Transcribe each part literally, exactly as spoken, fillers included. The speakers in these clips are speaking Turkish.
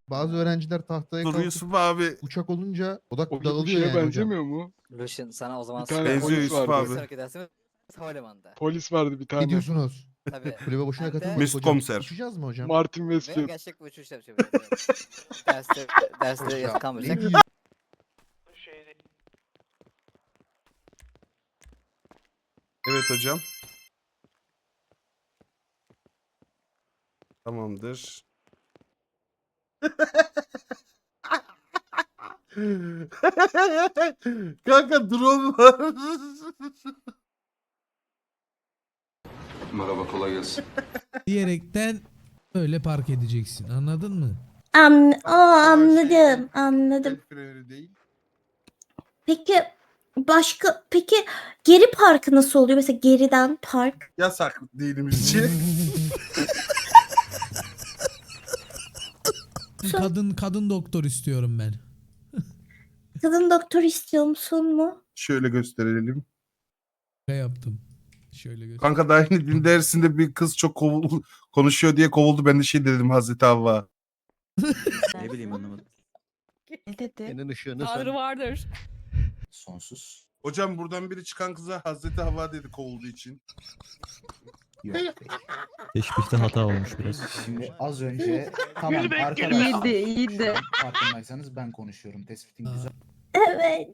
Bazı öğrenciler tahtaya Dur kalkıp Yusuf abi. uçak olunca odak O bir bu dağılıyor şeye yani hocam. benzemiyor mu? Lucian sana o zaman Bir tane Benziyor polis Yusuf vardı. abi. sonraki dersimiz havalimanında. Polis vardı bir tane. Ne diyorsunuz? Tabii. Kulübe boşuna Hem de- katılmadık Mesut hocam. komiser. Uçacağız mı hocam? Martin Ve Westfield. gerçek bir uçuş yapacağız. derste derste Hocam, yatıp ne kalmayacak. diyor- Evet hocam. Tamamdır. Kanka drone var. Merhaba, kolay gelsin. diyerekten öyle park edeceksin. Anladın mı? An o Ama şey, anladım, anladım. el freni değil. Peki başka peki geri parkı nasıl oluyor? Mesela geriden park. Yasak dinimizce. Kadın kadın doktor istiyorum ben. Kadın doktor istiyor musun mu? Şöyle gösterelim. Ne yaptım? Şöyle göster. Kanka daha yeni din dersinde bir kız çok kovul konuşuyor diye kovuldu. Ben de şey dedim Hazreti Havva. Ne bileyim anlamadım. Ne dedi? Senin ışığını Tanrı vardır. Sonsuz. Hocam buradan biri çıkan kıza Hazreti Havva dedi kovulduğu için. Yok. Teşbihte hata olmuş biraz. Şimdi az önce tamam arkadaşlar. İyiydi, iyiydi. Farkındaysanız ben konuşuyorum. Tespitin Aa. güzel. Evet.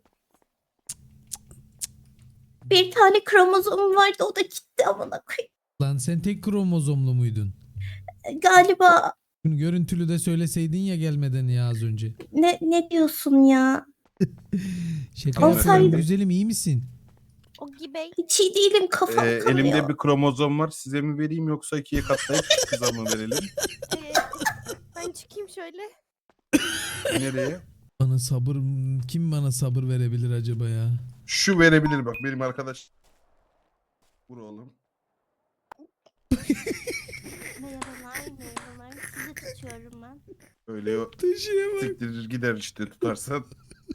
Bir tane kromozom vardı o da gitti amına koyayım. Lan sen tek kromozomlu muydun? Galiba Bunu görüntülü de söyleseydin ya gelmeden ya az önce. ne ne diyorsun ya? Şaka Olsaydı- yapıyorum güzelim, iyi misin? O gibi. Hiç iyi değilim kafam Ee, kanıyor. elimde bir kromozom var. Size mi vereyim yoksa ikiye katlayıp kıza mı verelim? Ee, ben çıkayım şöyle. Nereye? Bana sabır, kim bana sabır verebilir acaba ya? Şu verebilir bak benim arkadaş. Vur oğlum. Merhabalar, merhabalar. Sizi tutuyorum ben. Öyle o Taşıyamam. siktirir gider işte tutarsan.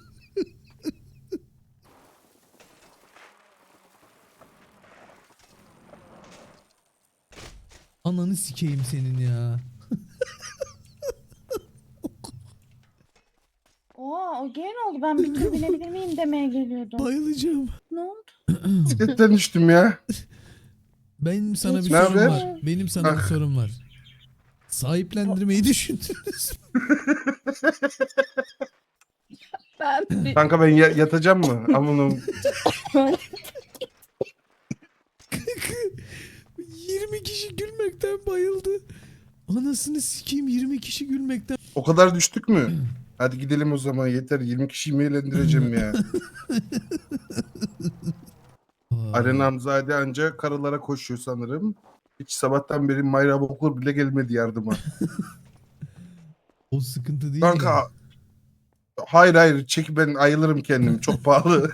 Ananı sikeyim senin ya. Oo, o gene oldu. Ben bir tur binebilir miyim demeye geliyordum. Bayılacağım. Ne oldu? Bisikletten düştüm ya. Benim sana bir Hiç- Ne sorum haber? var. Benim sana bir Ah. sorum var. Sahiplendirmeyi düşündünüz mü? Ben bir... Kanka ben ya- yatacağım mı? Aman yirmi kişi gülmekten bayıldı. Anasını sikeyim, yirmi kişi gülmekten. o kadar düştük mü? Hadi gidelim o zaman yeter. yirmi kişiyi mi eğlendireceğim ya? Aa, Arena Hamzade anca karılara koşuyor sanırım. Hiç sabahtan beri Mayra Bokur bile gelmedi yardıma. O sıkıntı değil. Kanka ya. hayır hayır çek ben ayılırım kendim çok pahalı.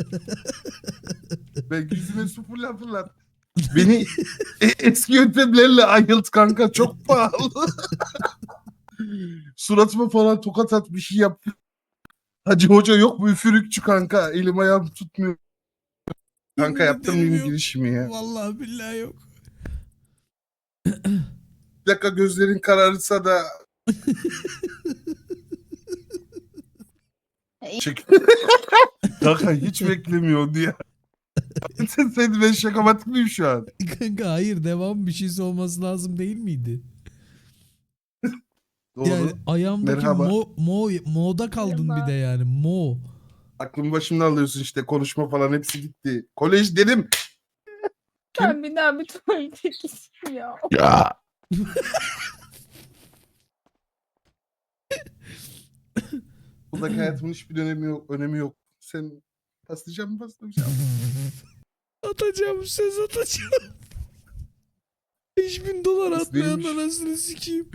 Ben yüzüme su fırlat fırlat. Beni e- eski yöntemlerle ayılt kanka çok pahalı. Suratıma falan tokat at bir şey yap. Hacı hoca yok mu üfürükçü kanka elim ayağım tutmuyor. Kanka Yemin yaptım ederim mıyım yok. girişimi ya. Vallahi billahi yok. Bir dakika gözlerin kararırsa da çek. Kanka hiç beklemiyordu ya. sen, sen ben şakamatik miyim şu an? Kanka hayır, devam bir şeysi olması lazım değil miydi? Doğru. Yani ayağımdaki Merhaba. mo, mo, mo'da kaldın bir de yani mo. Aklımı başımdan alıyorsun işte konuşma falan hepsi gitti. Kolej dedim. Ben bir daha bir tuvalete gideyim ya. Ya. Buradaki hayatımın hiçbir önemi yok. Önemi yok. Sen paslayacak mı paslayacak mı? Atacağım, söz atacağım. beş bin dolar atmayan Neymiş? anasını sikeyim.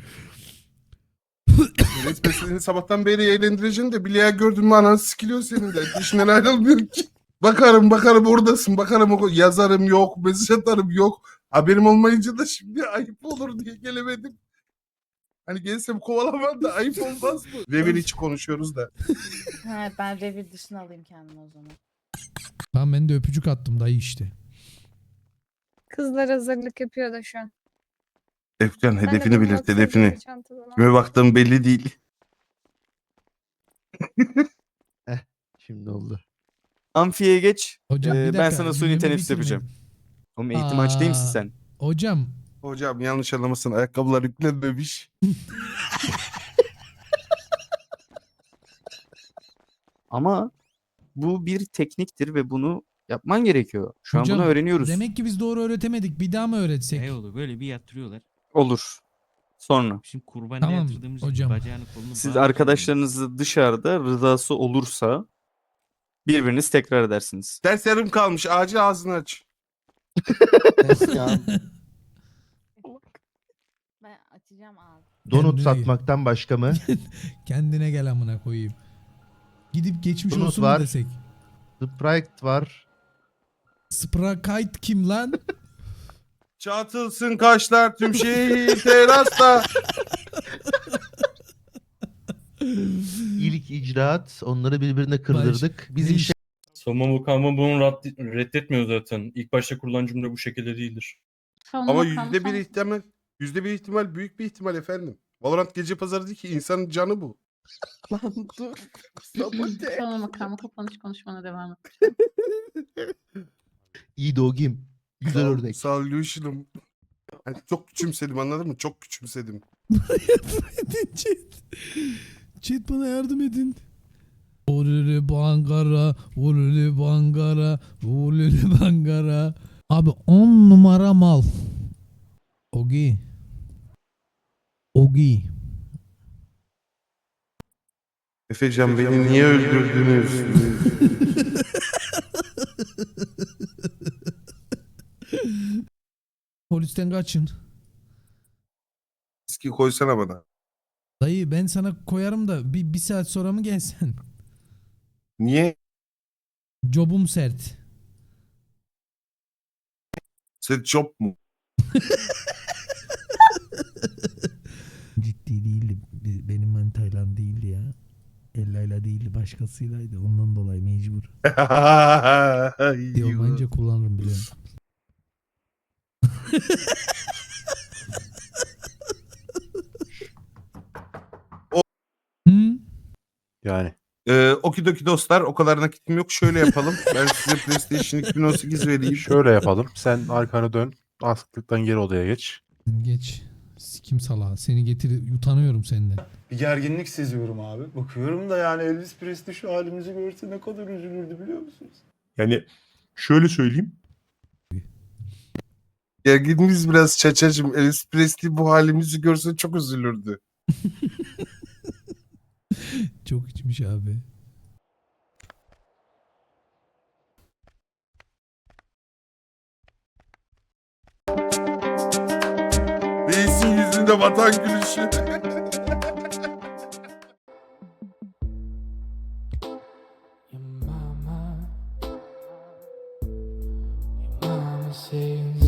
Resmen seni sabahtan beri eğlendireceğim de bileğe gördün mü anan sikiliyor senin de. İşinden ayrılmıyor ki. Bakarım bakarım oradasın. Bakarım o- yazarım yok. Mesaj atarım yok. Haberim olmayınca da şimdi ayıp olur diye gelemedim. Hani gelsem kovalamam da ayıp olmaz mı? Revir içi konuşuyoruz da. Evet, ben revir dışına alayım kendimi o zaman. Tamam, ben de öpücük attım dayı işte. Kızlar hazırlık yapıyor da şu an. Efcan Ben de hedefini bunu belirt atıyorum hedefini. çantadan. Kime baktığım belli değil. Şimdi oldu. Amfiye geç. Hocam Ee, bir ben dakika, sana suni cümlemi teneffüs bitirmedim. yapacağım. Oğlum eğitim aç değil misin Aa, sen? Hocam Hocam yanlış anlamasın. Ayakkabılar yüklenmemiş. Ama bu bir tekniktir ve bunu yapman gerekiyor. Şu hocam an bunu öğreniyoruz. demek ki biz doğru öğretemedik. Bir daha mı öğretsek? Ne oldu böyle bir yatırıyorlar. Olur. Sonra. Şimdi kurbanına Tamam, yatırdığımız hocam. bacağını kolunu Siz bağlayalım. arkadaşlarınızı dışarıda rızası olursa birbiriniz tekrar edersiniz. Ders yarım kalmış. Acil ağzını aç. Ben açacağım ağzı. Donut Kendine- satmaktan başka mı? Kendine gel amına koyayım. Gidip geçmiş Donut olsun var. mu desek? Sprite var. Sprite kim lan? Çatılsın kaşlar tüm şehir terasta. İlk icraat. Onları birbirine kırdırdık. Biz ne işe Savunma Bakanlığı bunu raddi- reddetmiyor zaten. İlk başta kurulan cümle bu şekilde değildir. Ama yüzde bir ihtimal, yüzde bir ihtimal büyük bir ihtimal efendim. Valorant gece pazarı değil ki insanın canı bu. Lan dur. Sabote. Savunma makamı kapanış konuşmana devam et. İyi dogim. Güzel örnek. Solution'um. Yani çok küçümsedim anladın mı? Çok küçümsedim. Yardım edin chat. Chat bana yardım edin. Olulu bangara, olulu bangara, olulu bangara. Abi on numara mal. Ogi. Ogi. Efecan beni niye öldürdünüz? Polisten kaçın. Eski koysana bana. Dayı ben sana koyarım da bir, bir saat sonra mı gelsen? Niye? Jobum sert. Set job mu? Ciddi değildi. Bi- Benim manitayla değildi ya. Ella'yla değildi. Başkasıylaydı. Ondan dolayı mecbur. Diyor bence kullanırım biliyorum. Hı? Yani. Ee, okidoki dostlar o kadar nakitim yok. Şöyle yapalım. Ben size PlayStation iki bin on sekiz vereyim. Şöyle yapalım. Sen arkanı dön. Astıktan geri odaya geç. Geç. Sikim salağı. Seni getir. Utanıyorum senden. Bir gerginlik seziyorum abi. Bakıyorum da yani Elvis Presley şu halimizi görse ne kadar üzülürdü biliyor musunuz? Yani şöyle söyleyeyim. Gerginliğimiz biraz çaçacım. Elvis Presley bu halimizi görse çok üzülürdü. Çok içmiş abi. Reisin yüzünde vatan gülüşü. Your mama, your mama says